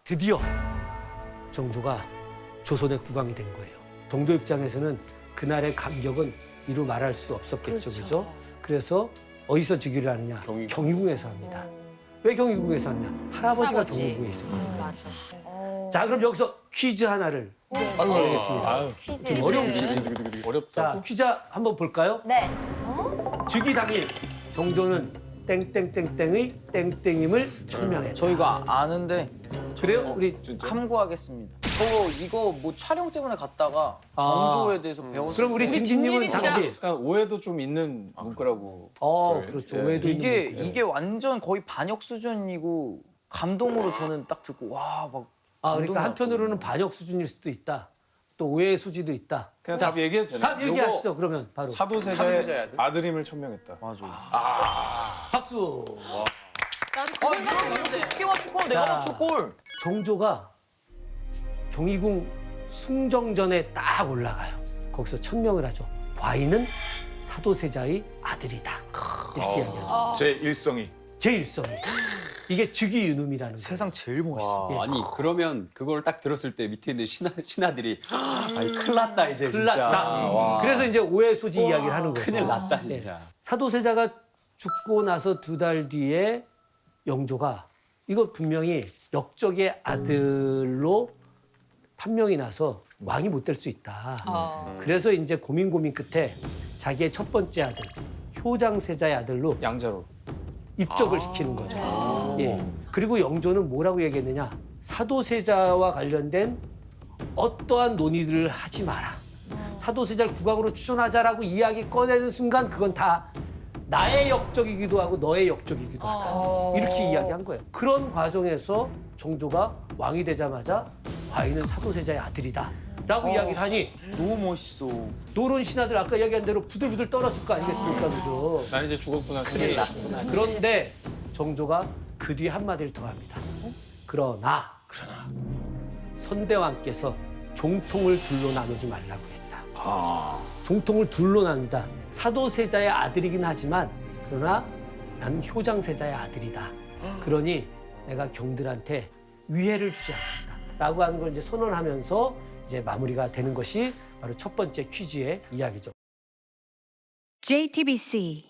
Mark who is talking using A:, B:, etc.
A: 드디어 정조가 조선의 국왕이 된 거예요. 정조 입장에서는 그날의 감격은 이루 말할 수 없었겠죠, 그죠? 그래서 어디서 즉위를 하느냐? 경희궁에서 합니다. 왜 경희궁에서 하느냐? 할아버지가 경희궁에 있었거든요.
B: 맞아.
A: 자, 그럼 여기서 퀴즈 하나를 내겠습니다. 좀 어려운 퀴즈.
C: 어렵다.
A: 자, 퀴즈 한번 볼까요?
B: 네.
A: 즉위 당일 정조는 땡땡땡땡의 땡땡임을 천명했다.
D: 저희가 아는데
A: 그래요? 우리
D: 함구하겠습니다. 저 이거 뭐 촬영 때문에 갔다가 정조에 대해서 배웠어요.
A: 그럼 우리 김진님은 잠시.
C: 약간 오해도 좀 있는 문구라고.
A: 그렇죠.
C: 예.
A: 오해도
D: 이게
A: 있는 거죠.
D: 이게 완전 거의 반역 수준이고 감동으로 저는 딱 듣고 와막
A: 그러니까 한편으로는 반역 수준일 수도 있다. 또 오해의 소지도 있다.
C: 그냥 답 얘기해도 되나요?
A: 답 얘기하시죠. 그러면 바로
C: 사도세자의 아들임을 천명했다.
D: 맞아.
A: 박수.
B: 나도 그 생각했는데.
D: 이렇게 쉽게 맞출 걸 내가 맞출 걸.
A: 정조가 경희궁 숭정전에 딱 올라가요. 거기서 천명을 하죠. 과인은 사도세자의 아들이다. 이렇게 이야기하죠.
E: 제 일성이.
A: 제1성이. 이게 즉위유num이라는 거예요.
D: 세상 제일 멋있어.
F: 와, 아니 그러면 그걸 딱 들었을 때 밑에 있는 신하들이 아니 큰일 났다 이제
A: 큰일
F: 진짜.
A: 났다.
F: 와.
A: 그래서 이제 오해 소지 이야기를 하는 거죠.
F: 큰일 났다
A: 네.
F: 진짜.
A: 사도세자가 죽고 나서 2달 뒤에 영조가 이거 분명히 역적의 아들로 판명이 나서 왕이 못 될 수 있다. 그래서 이제 고민 끝에 자기의 첫 번째 아들 효장세자의 아들로
C: 양자로.
A: 입적을 시키는 거죠. 예. 그리고 영조는 뭐라고 얘기했느냐? 사도세자와 관련된 어떠한 논의들을 하지 마라. 사도세자를 국왕으로 추천하자라고 이야기 꺼내는 순간 그건 다 나의 역적이기도 하고 너의 역적이기도 하다. 이렇게 이야기한 거예요. 그런 과정에서 정조가 왕이 되자마자 과인은 사도세자의 아들이다. 라고 이야기를 하니
D: 너무 멋있어.
A: 노론 신하들 아까 이야기한 대로 부들부들 떨었을 거 아니겠습니까? 그죠?
C: 난 이제 죽었구나.
A: 큰일 났구나. 그런데 정조가 그 뒤에 한마디를 더 합니다. 그러나 선대왕께서 종통을 둘로 나누지 말라고 했다. 종통을 둘로 나눈다. 사도세자의 아들이긴 하지만 그러나 난 효장세자의 아들이다. 그러니 내가 경들한테 위해를 주지 않겠다. 라고 하는 걸 이제 선언하면서 이제 마무리가 되는 것이 바로 첫 번째 퀴즈의 이야기죠.
G: JTBC